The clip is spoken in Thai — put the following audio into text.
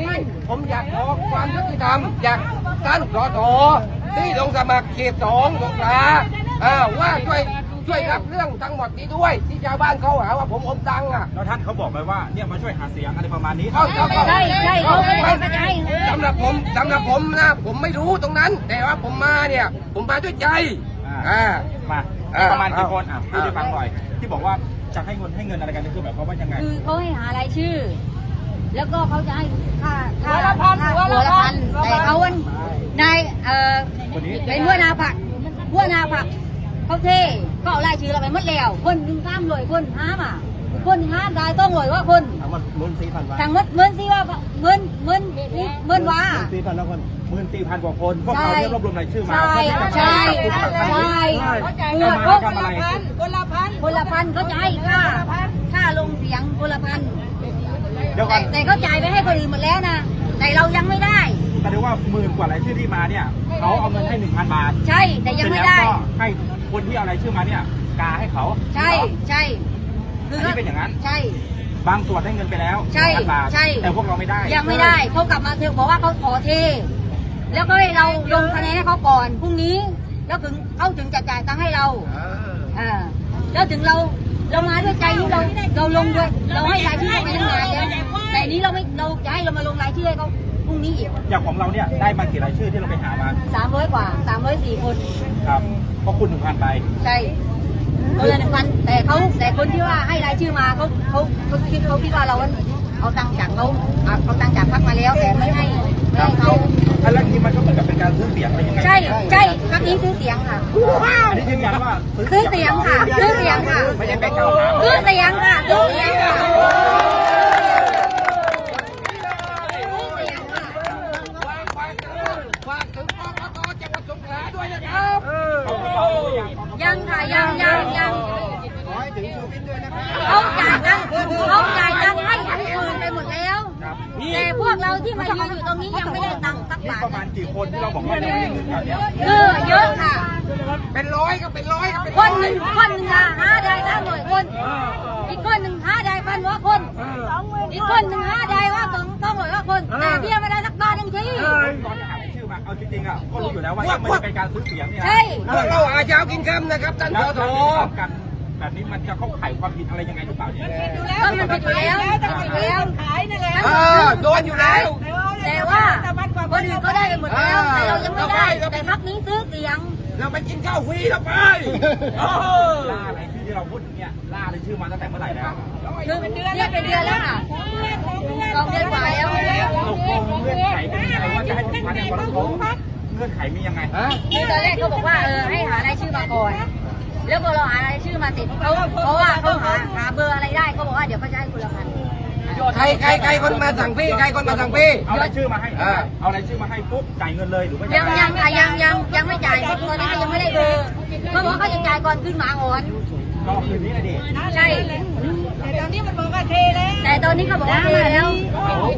นี้ผมอยากขอความยุติธรรมจากท่านสสที่ลงสมัครเขต2สงขลาว่าช่วยรับเรื่องทั้งหมดนี้ด้วยที่ชาวบ้านเขาหาว่าผมอมตังค์แล้วท่านเขาบอกไปว่าเนี่ยมาช่วยหาเสียงอะไรประมาณนี้ใช่เขาไม่ได้สำหรับผมนะผมไม่รู้ตรงนั้นแต่ว่าผมมาเนี่ยผมมาด้วยใจมาประมาณกี่คนพูดให้ฟังหน่อยที่บอกว่าจะให้เงินอะไรกันคือแบบเขาว่ายังไงคือเขาให้หารายชื่อแล้วก็เขาจะให้ค่าหัวละพันแต่เขาวันนายเป็นหัวหน้าผักเขาเท่ก็เอารายชื่อเราไปหมดแล้วคนหนึ่ง300คนคนได้ต้องรวยว่าคนทั้งหมด14,000 ทั้งหมด14,000ว่า 14,000 กว่าคนพวกเรารวบรวมรายชื่อมาใช่คนละพันเขาจะให้ค่าลงเสียงคนละพันแต่เขาจ่ายไปให้คนอื่นหมดแล้วนะแต่เรายังไม่ได้แสดงว่า10,000 กว่ารายชื่อที่มาเนี่ยเขาเอาเงินให้ 1,000 บาทใช่แต่ยังไม่ได้ให้คนที่เอารายชื่อมาเนี่ยกาให้เขาใช่คือเป็นอย่างนั้นใช่บางส่วนได้เงินไปแล้วใช่แต่พวกเราไม่ได้ยังไม่ได้เขากลับมาบอกว่าเขาขอเทแล้วก็ให้เราลงคะแนนให้เขาก่อนพรุ่งนี้แล้วถึงเขาถึงจะจ่ายตังค์ให้เราแล้วถึงเรามาด้วยใจนี้เราลงด้วยเราให้รายชื่อไปตั้งนานแล้วแต่นี้เราจะให้เรามาลงรายชื่อให้เขาพรุ่งนี้อีกอย่างของเราเนี่ยได้มากี่รายชื่อที่เราไปหามา 300 กว่า304 คนครับเพราะคุณ 1,000 ไปใช่คนละ 1,000แต่คนที่ว่าให้รายชื่อมาเขาคิดว่าเราเอาตังค์จากเอาตังค์จากพรรคมาแล้วแต่ไม่ให้เขาอะไรนี้มันก็เหมือนกับเป็นการซื้อเสียงอะไรยังไงใช่พรรคนี้ซื้อเสียงค่ะอันนี้ยืนยันว่าซื้อเสียงค่ะไม่ใช่ไปเก่าซื้อเสียงค่ะฝากถึงกกต.จังหวัดสงขลาด้วยนะครับยังค่ะยังขอให้ถึงชูวิทย์ด้วยนะครับเขาจ่ายตังค์ให้คืนไปหมดแล้วแต่พวกเราที่มายืนอยู่ตรงนี้ยังไม่ได้ตังค์สักบาทประมาณกี่คนที่เราบอกว่ายังไม่ได้เงินกันเนี่ยเยอะค่ะเป็นร้อยก็เป็นร้อยคนหนึ่งหาได้300 คนอีกคนหนึ่งหาได้1,000 กว่าคนอีกคนหนึ่งหาได้ว่า200 กว่าคนแต่เบี้ยไม่ได้สักบาทนึงทีตอนจะหาชื่อมาเอาจริงๆก็รู้อยู่แล้วว่ายังไม่เป็นการซื้อเสียงเนี่ยพวกเราอาจจะเอากินคำนะครับท่านสสกันแบบนี้มันจะเข้าข่ายความผิดอะไรยังไงหรือเปล่าเนี่ยก็มันผิดแล้วขายนั่นแหละโดนอยู่แล้วแต่ว่าคนอื่นก็ได้หมดแล้วแต่เรายังไม่ได้แต่พรรคนี้ซื้อเสียงเราไปกินข้าวฟรีแล้วไปล่าอะไรที่เราพูดเนี่ยล่าอะไรชื่อมาตั้งแต่เมื่อไหร่แล้วคือเป็นเดือนแล้วค่ะ2 เดือนกว่าแล้วตกลงเงื่อนไขเป็นยังไงว่าจะให้ถึงพันในวันโค้งเงื่อนไขมียังไงคือตอนแรกเขาบอกว่าให้หารายชื่อมาก่อนแล้วพอเราหารายชื่อมาติดเพราะว่าเขาหาเบอร์อะไรได้เขาบอกว่าเดี๋ยวเขาจะให้คนละพันใครคนมาสั่งพี่ใครคนมาสั่งพี่เอารายชื่อมาให้เอารายชื่อมาให้ปุ๊บจ่ายเงินเลยหรือไม่ยังไม่จ่ายเพราะตอนนี้ยังไม่ได้เบอร์เขาบอกเขาจะจ่ายก่อนขึ้นหมาอ่อนก็คืนนี้นะดิใช่แต่ตอนนี้มันบอกว่าเทแล้วแต่ตอนนี้เขาบอกว่าเทแล้ว